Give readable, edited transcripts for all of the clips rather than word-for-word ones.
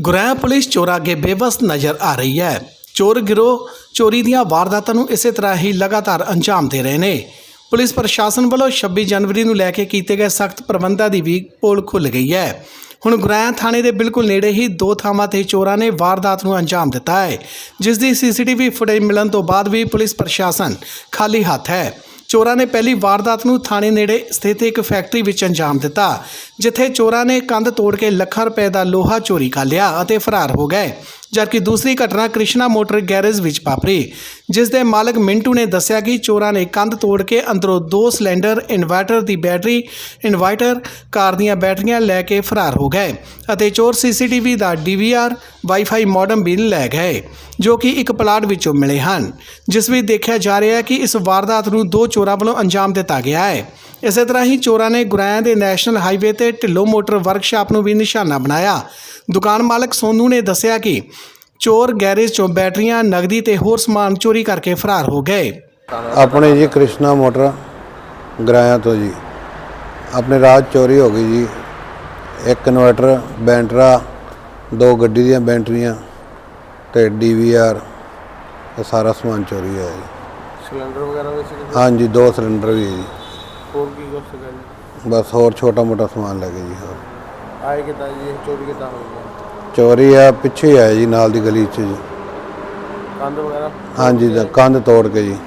ਗੁਰੈਂ police ਚੋਰਾਂ ਅੱਗੇ ਬੇਵਸ ਨਜ਼ਰ ਆ ਰਹੀ ਹੈ। ਚੋਰ ਗਿਰੋਹ ਚੋਰੀ ਦੀਆਂ ਵਾਰਦਾਤਾਂ ਨੂੰ ਇਸੇ ਤਰ੍ਹਾਂ ਹੀ ਲਗਾਤਾਰ ਅੰਜਾਮ ਦੇ ਰਹੇ ਨੇ। ਪੁਲਿਸ ਪ੍ਰਸ਼ਾਸਨ ਵੱਲੋਂ 26 ਜਨਵਰੀ ਨੂੰ ਲੈ ਕੇ ਕੀਤੇ ਗਏ ਸਖਤ ਪ੍ਰਬੰਧਾਂ ਦੀ ਵੀ ਪੋਲ ਖੁੱਲ੍ਹ ਗਈ ਹੈ। ਹੁਣ ਗੁਰੈਂ ਥਾਣੇ ਦੇ ਬਿਲਕੁਲ ਨੇੜੇ ਹੀ ਦੋ ਥਾਵਾਂ ਤੇ ਚੋਰਾਂ ਨੇ ਵਾਰਦਾਤ ਨੂੰ ਅੰਜਾਮ ਦਿੱਤਾ ਹੈ, ਜਿਸ ਦੀ ਸੀਸੀਟੀਵੀ ਫੁਟੇਜ ਮਿਲਣ ਤੋਂ ਬਾਅਦ ਵੀ ਪੁਲਿਸ ਪ੍ਰਸ਼ਾਸਨ ਖਾਲੀ ਹੱਥ ਹੈ। ਚੋਰਾਂ ਨੇ ਪਹਿਲੀ ਵਾਰਦਾਤ ਨੂੰ ਥਾਣੇ ਨੇੜੇ ਸਥਿਤ ਇੱਕ ਫੈਕਟਰੀ ਵਿੱਚ ਅੰਜਾਮ ਦਿੱਤਾ, ਜਿੱਥੇ ਚੋਰਾਂ ਨੇ ਕੰਧ ਤੋੜ ਕੇ ਲੱਖਾਂ ਰੁਪਏ ਦਾ ਲੋਹਾ ਚੋਰੀ ਕਰ ਲਿਆ ਅਤੇ ਫਰਾਰ ਹੋ ਗਏ। ਜਦਕਿ ਦੂਸਰੀ ਘਟਨਾ ਕ੍ਰਿਸ਼ਨਾ ਮੋਟਰ ਗੈਰੇਜ ਵਿੱਚ ਵਾਪਰੀ, ਜਿਸ ਦੇ ਮਾਲਕ ਮਿੰਟੂ ਨੇ ਦੱਸਿਆ ਕਿ ਚੋਰਾਂ ਨੇ ਕੰਧ ਤੋੜ ਕੇ ਅੰਦਰੋਂ 2 ਸਿਲੰਡਰ, ਇਨਵਰਟਰ ਦੀ ਬੈਟਰੀ, ਇਨਵਰਟਰ, ਕਾਰ ਦੀਆਂ ਬੈਟਰੀਆਂ ਲੈ ਕੇ ਫਰਾਰ ਹੋ ਗਏ ਅਤੇ ਚੋਰ ਸੀਸੀਟੀਵੀ ਦਾ DVR, ਵਾਈਫਾਈ ਮੋਡਮ ਵੀ ਲੈ ਗਏ, ਜੋ ਕਿ ਇੱਕ ਪਲਾਟ ਵਿੱਚੋਂ ਮਿਲੇ ਹਨ, ਜਿਸ ਵਿੱਚ ਦੇਖਿਆ ਜਾ ਰਿਹਾ ਹੈ ਕਿ ਇਸ ਵਾਰਦਾਤ ਨੂੰ 2 ਚੋਰਾਂ ਵੱਲੋਂ ਅੰਜਾਮ ਦਿੱਤਾ ਗਿਆ ਹੈ। ਇਸੇ ਤਰ੍ਹਾਂ ਹੀ ਚੋਰਾਂ ਨੇ ਗੁਰੈਂ ਦੇ ਨੈਸ਼ਨਲ ਹਾਈਵੇ ਤੇ ਢਿੱਲੋਂ ਮੋਟਰ ਵਰਕਸ਼ਾਪ ਨੂੰ ਵੀ ਨਿਸ਼ਾਨਾ ਬਣਾਇਆ। ਦੁਕਾਨ ਮਾਲਕ ਸੋਨੂ ਨੇ ਦੱਸਿਆ ਕਿ ਚੋਰ ਗੈਰੇਜ ਚੋਂ ਬੈਟਰੀਆਂ, ਨਗਦੀ ਤੇ ਹੋਰ ਸਮਾਨ ਚੋਰੀ ਕਰਕੇ ਫਰਾਰ ਹੋ ਗਏ। ਆਪਣੇ ਜੀ ਕ੍ਰਿਸ਼ਨਾ ਮੋਟਰ ਗੁਰੈਂ ਤੋਂ ਜੀ ਆਪਣੇ ਰਾਤ ਚੋਰੀ ਹੋ ਗਈ ਜੀ। ਇੱਕ ਇਨਵਰਟਰ, ਬੈਟਰਾ, 2 ਗੱਡੀ ਦੀਆਂ ਬੈਟਰੀਆਂ ਤੇ DVR, ਇਹ ਸਾਰਾ ਸਮਾਨ ਚੋਰੀ ਹੋਇਆ ਜੀ। ਸਿਲੰਡਰ ਵਗੈਰਾ ਵੀ ਸੀ? ਹਾਂਜੀ, 2 ਸਿਲੰਡਰ ਵੀ ਹੈ ਜੀ। ਹੋਰ ਕੀ ਕੁਛ ਸੀਗਾ ਜੀ? ਬਸ ਹੋਰ ਛੋਟਾ ਮੋਟਾ ਸਮਾਨ ਲੈ ਗਏ ਜੀ। ਹੋਰ ਆਏ ਕਿੱਦਾਂ ਜੀ? ਇਹ ਚੋਰੀ ਕਿੱਦਾਂ ਹੋਈ ਹੈ? ਚੋਰੀ ਆ ਪਿੱਛੇ ਹੀ ਆਇਆ ਜੀ, ਨਾਲ ਦੀ ਗਲੀ 'ਚ ਜੀ। ਕੰਧ ਵਗੈਰਾ? ਹਾਂਜੀ, ਕੰਧ ਤੋੜ ਕੇ ਜੀ,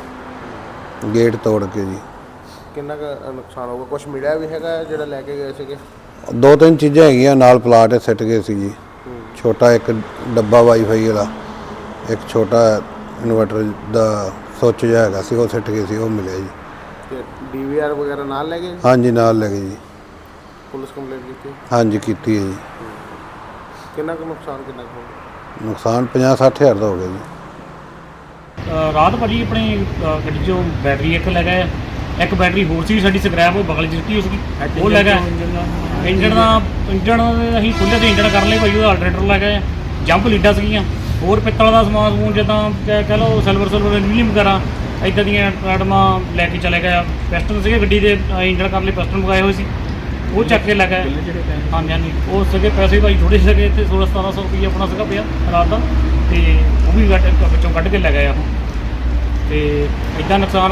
ਗੇਟ ਤੋੜ ਕੇ ਜੀ। ਕਿੰਨਾ ਕੁ ਨੁਕਸਾਨ ਹੋਊਗਾ? ਕੁਝ ਮਿਲਿਆ ਵੀ ਹੈਗਾ ਜਿਹੜਾ ਲੈ ਕੇ ਗਏ ਸੀਗੇ? 2-3 ਚੀਜ਼ਾਂ ਹੈਗੀਆਂ, ਨਾਲ ਪਲਾਟ ਸਿੱਟ ਗਏ ਸੀ ਜੀ। ਛੋਟਾ ਇੱਕ ਡੱਬਾ ਵਾਈਫਾਈ ਵਾਲਾ, ਇੱਕ ਛੋਟਾ ਇਨਵਰਟਰ ਦਾ ਸੁੱਚ ਜਿਹਾ ਹੈਗਾ ਸੀ, ਉਹ ਸਿੱਟ ਗਏ ਸੀ, ਉਹ ਮਿਲਿਆ ਜੀ। ਤੇ DVR ਵਗੈਰਾ ਨਾਲ ਲੈ ਗਏ? ਹਾਂਜੀ, ਨਾਲ ਲੈ ਗਏ ਜੀ। ਪੁਲਿਸ ਕੰਪਲੇਂਟ ਕੀਤੀ? ਹਾਂਜੀ, ਕੀਤੀ ਹੈ ਜੀ। ਕਿੰਨਾ ਕੁ ਨੁਕਸਾਨ ਕਿੰਨਾ ਕੁ ਹੋਊਗਾ? ਨੁਕਸਾਨ 50-60 ਹਜ਼ਾਰ ਦਾ ਹੋ ਗਿਆ ਜੀ। ਰਾਤ ਭਾਜੀ ਆਪਣੀ ਗੱਡੀ 'ਚੋਂ ਬੈਟਰੀ ਇੱਕ ਲੈ ਗਏ, ਇੱਕ ਬੈਟਰੀ ਹੋਰ ਸੀ ਸਾਡੀ ਸਕ੍ਰੈਪ, ਉਹ ਬਗਲ 'ਚ ਸਿੱਟੀ ਉਸकी, ਉਹ ਲੈ ਗਏ। ਇੰਜਣ ਅਸੀਂ ਖੁੱਲ੍ਹੇ ਤੇ ਇੰਜਣ ਕਰ ਲਏ ਭਾਜੀ, ਉਹਦਾ ਆਲਟਰੇਟਰ ਲੈ ਗਏ। ਜੰਪ ਲੀਡਾਂ ਸੀਗੀਆਂ, ਹੋਰ ਪਿੱਤਲ ਦਾ ਸਮਾਨ ਸਮੂਨ ਜਿੱਦਾਂ ਕਹਿ ਲਓ ਸਿਲਵਰ ਐਲੂਮੀਨੀਅਮ ਵਗੈਰਾ ਇੱਦਾਂ ਦੀਆਂ ਆਈਟਮਾਂ ਲੈ ਕੇ ਚਲੇ ਗਏ। ਪਿਸਟਨ ਸੀਗੇ ਗੱਡੀ ਦੇ, ਇੰਜਣ ਕਰਨ ਲਈ ਪਿਸਟਨ ਮੰਗਾਏ ਹੋਏ ਸੀ, ਉਹ ਚੱਕ ਕੇ ਲੈ ਗਏ। ਹਾਂਜੀ, ਉਹ ਸੀਗੇ ਪੈਸੇ ਭਾਈ ਥੋੜ੍ਹੇ ਸੀਗੇ, ਇੱਥੇ 1600-1700 ਰੁਪਈਆ ਆਪਣਾ ਸੀਗਾ ਪਿਆ ਰਾਤ ਦਾ, ਅਤੇ ਉਹ ਵੀ ਵਿੱਚੋਂ ਕੱਢ ਕੇ ਲੈ ਗਏ ਉਹ। ਅਤੇ ਇੱਦਾਂ ਨੁਕਸਾਨ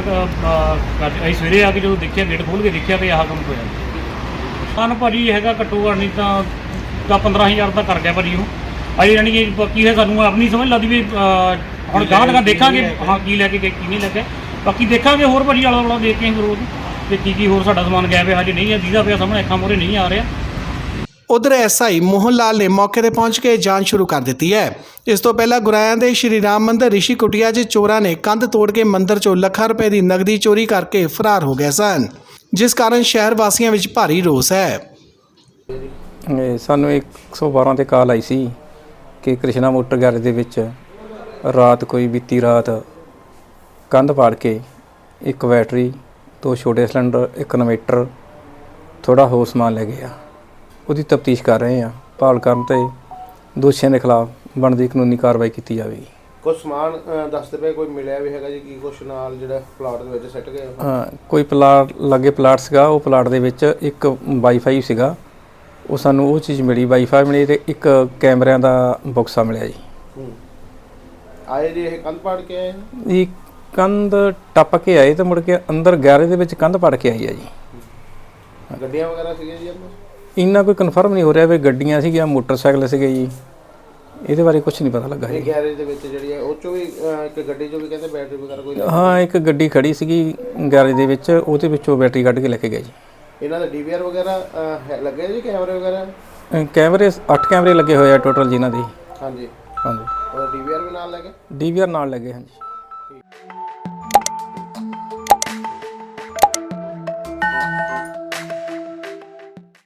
ਅਸੀਂ ਸਵੇਰੇ ਆ ਕੇ ਜਦੋਂ ਦੇਖਿਆ, ਗੇਟ ਖੋਲ੍ਹ ਕੇ ਦੇਖਿਆ ਤਾਂ ਆਹ ਕੰਮ ਹੋਇਆ। ਸਾਨੂੰ ਭਾਜੀ ਹੈਗਾ ਘੱਟੋ ਘੱਟ ਨਹੀਂ ਤਾਂ 15,000 ਦਾ ਕਰ ਗਿਆ ਭਾਜੀ ਉਹ। ਅਜੇ ਯਾਨੀ ਕਿ ਬਾਕੀ ਹੈ, ਸਾਨੂੰ ਆਪਣੀ ਸਮਝ ਲੱਗਦੀ ਵੀ ਹੁਣ ਗਾਂ ਦੇਖਾਂਗੇ ਹਾਂ ਕੀ ਲੈ ਕੇ ਗਏ ਕੀ ਨਹੀਂ ਲੈ ਕੇ, ਬਾਕੀ ਦੇਖਾਂਗੇ ਹੋਰ ਭਾਜੀ ਆਲਾ ਦੁਆਲਾ ਦੇਖ ਕੇ ਰੋਜ਼ ਤੇ ਕੀ ਹੋਰ ਸਾਡਾ ਸਮਾਨ ਗਿਆ ਪਿਆ ਹਜੇ ਨਹੀਂ ਹੈ, ਜਿਹਦਾ ਪਿਆ ਸਾਹਮਣੇ ਅੱਖਾਂ ਮੂਹਰੇ ਨਹੀਂ ਆ ਰਿਹਾ। ਉਧਰ SI ਮੋਹਨ ਲਾਲ ਨੇ ਮੌਕੇ ਤੇ ਪਹੁੰਚ ਕੇ ਜਾਂਚ ਸ਼ੁਰੂ ਕਰ ਦਿੱਤੀ ਹੈ। ਇਸ ਤੋਂ ਪਹਿਲਾਂ ਗੁਰੈਂ ਦੇ ਸ਼੍ਰੀ ਰਾਮ ਮੰਦਿਰ ਰਿਸ਼ੀ ਕੁਟੀਆ 'ਚ ਚੋਰਾਂ ਨੇ ਕੰਧ ਤੋੜ ਕੇ ਮੰਦਿਰ 'ਚੋਂ ਲੱਖਾਂ ਰੁਪਏ ਦੀ ਨਗਦੀ ਚੋਰੀ ਕਰਕੇ ਫਰਾਰ ਹੋ ਗਏ ਸਨ, ਜਿਸ ਕਾਰਨ ਸ਼ਹਿਰ ਵਾਸੀਆਂ ਵਿੱਚ ਭਾਰੀ ਰੋਸ ਹੈ। ਸਾਨੂੰ 112 ਤੇ ਕਾਲ ਆਈ ਸੀ ਕਿ ਕ੍ਰਿਸ਼ਨਾ ਮੋਟਰ ਗੈਰੇਜ ਦੇ ਵਿੱਚ ਰਾਤ ਕੋਈ ਬੀਤੀ ਰਾਤ ਕੰਧ ਪਾੜ ਕੇ ਇੱਕ ਬੈਟਰੀ, 2 ਛੋਟੇ ਸਿਲੰਡਰ, ਇੱਕ ਇਨਵੇਟਰ, ਥੋੜ੍ਹਾ ਹੋਰ ਸਮਾਨ ਲੈ ਗਏ ਆ। ਉਹਦੀ ਤਫਤੀਸ਼ ਕਰ ਰਹੇ ਹਾਂ, ਭਾਲ ਕਰਨ ਤੇ ਦੋਸ਼ੀਆਂ ਦੇ ਖਿਲਾਫ ਬਣਦੀ ਕਾਨੂੰਨੀ ਕਾਰਵਾਈ ਕੀਤੀ ਜਾਵੇਗੀ। ਕੁਝ ਸਮਾਨ ਦੱਸਦੇ ਪਏ ਕੋਈ ਮਿਲਿਆ ਵੀ ਹੈਗਾ ਜੀ? ਕੀ ਕੁਛ ਨਾਲ ਜਿਹੜਾ ਪਲਾਟ ਦੇ ਵਿੱਚ ਸਿੱਟ ਗਏ? ਕੋਈ ਪਲਾਟ ਲਾਗੇ ਪਲਾਟ ਸੀਗਾ, ਉਹ ਪਲਾਟ ਦੇ ਵਿੱਚ ਇੱਕ ਵਾਈਫਾਈ ਸੀਗਾ, ਉਹ ਸਾਨੂੰ ਉਹ ਚੀਜ਼ ਮਿਲੀ, ਵਾਈਫਾਈ ਮਿਲੀ, ਅਤੇ ਇੱਕ ਕੈਮਰਿਆਂ ਦਾ ਬਕਸਾ ਮਿਲਿਆ ਜੀ। ਆਏ ਜੀ ਇਹ ਕੰਧ ਪਾੜ ਕੇ ਆਏ? ਇਹ ਕੰਧ ਟੱਪ ਕੇ ਆਏ ਤੇ ਮੁੜ ਕੇ ਅੰਦਰ ਗੈਰੇਜ ਦੇ ਵਿੱਚ ਕੰਧ ਪਾੜ ਕੇ ਆਈ ਆ ਜੀ। ਗੱਡੀਆਂ ਵਗੈਰਾ ਸੀਗੀਆਂ ਜੀ ਅੰਦਰ? ਇੰਨਾ ਕੋਈ ਕਨਫਰਮ ਨਹੀਂ ਹੋ ਰਿਹਾ ਵੀ ਗੱਡੀਆਂ ਸੀਗੀਆਂ, ਮੋਟਰਸਾਈਕਲ ਸੀਗੇ ਜੀ, ਇਹਦੇ ਬਾਰੇ ਕੁਝ ਨਹੀਂ ਪਤਾ ਲੱਗਾ ਜੀ। ਗੈਰੇਜ ਦੇ ਵਿੱਚ ਜਿਹੜੀ ਹੈ ਉਹ 'ਚੋਂ ਵੀ ਇੱਕ ਗੱਡੀ 'ਚੋਂ ਵੀ ਕਹਿੰਦੇ ਬੈਟਰੀ ਵਗੈਰਾ ਕੋਈ? ਹਾਂ, ਇੱਕ ਗੱਡੀ ਖੜੀ ਸੀਗੀ ਗੈਰੇਜ ਦੇ ਵਿੱਚ, ਉਹਦੇ ਵਿੱਚੋਂ ਬੈਟਰੀ ਕੱਢ ਕੇ ਲੈ ਕੇ ਗਏ ਜੀ। ਇਹਨਾਂ ਦਾ DVR ਵਗੈਰਾ ਲੱਗੇ ਜੀ? ਕੈਮਰੇ ਵਗੈਰਾ? ਕੈਮਰੇ 8 ਕੈਮਰੇ ਲੱਗੇ ਹੋਏ ਆ ਟੋਟਲ ਜਿਨ੍ਹਾਂ ਦੇ। ਹਾਂਜੀ। ਹਾਂਜੀ, ਉਹਦਾ DVR ਵੀ ਨਾਲ ਲੈ ਗਏ? DVR ਨਾਲ ਲੱਗੇ। ਹਾਂਜੀ।